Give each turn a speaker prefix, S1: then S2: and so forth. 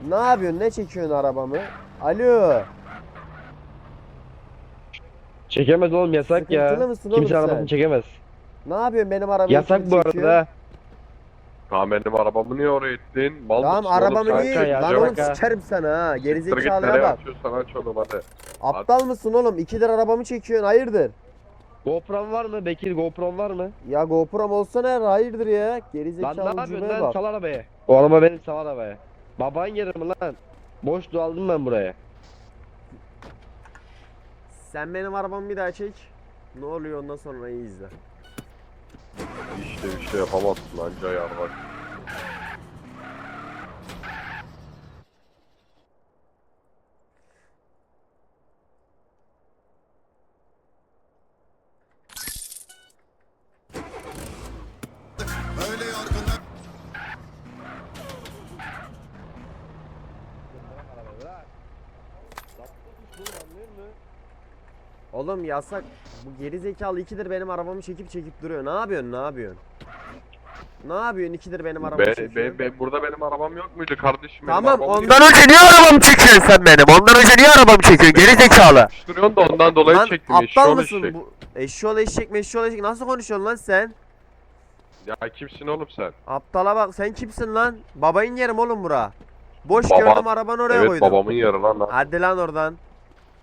S1: Ne yapıyorsun? Ne çekiyorsun arabamı? Alo.
S2: Çekemez oğlum, yasak
S1: Sıkıntılı
S2: ya.
S1: mısın oğlum
S2: Kimse
S1: sen?
S2: arabasını çekemez.
S1: Ne yapıyorsun? Benim arabayı
S2: Yasak
S1: kim
S2: bu
S1: çekiyor?
S2: arada.
S3: Tamam benim arabamı niye oraya ittin? Mal
S1: Tamam
S3: mısın oğlum
S1: arabamı
S3: sen?
S1: niye?
S2: Kanka ya,
S1: Lan
S2: bak
S1: oğlum
S2: ha.
S1: sikerim sana ha.
S3: Siktir git,
S1: Gerizekalıya
S3: nereye
S1: bak.
S3: atıyorsan aç oğlum hadi.
S1: Aptal mısın oğlum? 2 lira arabamı çekiyorsun. Hayırdır?
S2: GoPro'm var mı? Bekir, GoPro'm var mı?
S1: Ya GoPro'm olsa ne? Hayırdır ya?
S2: Lan ne
S1: Gerizekalı
S2: yapıyorsun
S1: ucubeye
S2: lan?
S1: bak.
S2: Sal arabayı. O araba benim, sal arabaya. Baban yerim lan. Boşluğu aldım ben buraya.
S1: Sen benim arabamı bir daha çek. Ne oluyor ondan sonra iyi izle.
S3: İşte bir şey yapamazsın anca yarmak.
S4: Öyle yorgunlar.
S1: Oğlum yasak. Bu gerizekalı 2'dir benim arabamı çekip duruyor. Ne yapıyorsun? Ne yapıyorsun? Ne yapıyorsun? 2'dir benim arabamı çekiyorsun.
S3: Burada benim arabam yok muydu kardeşim? Benim
S1: Tamam
S3: arabamı
S1: ondan önce niye arabamı çekiyorsun sen benim? Ondan önce niye arabamı çekiyorsun? Gerizekalı.
S3: yapıştırıyorsun da ondan dolayı
S1: Lan
S3: çektim.
S1: aptal
S3: Eşşoğlu
S1: mısın?
S3: eşek.
S1: Bu eşşoğlu eşek meşşoğlu eşek nasıl konuşuyorsun lan sen?
S3: Ya kimsin oğlum sen?
S1: Aptala bak sen kimsin lan? Babayın yerim oğlum bura. Boş
S3: Baba.
S1: gördüm arabanı oraya
S3: Evet
S1: koydum.
S3: babamın yarı lan.
S1: Hadi lan oradan.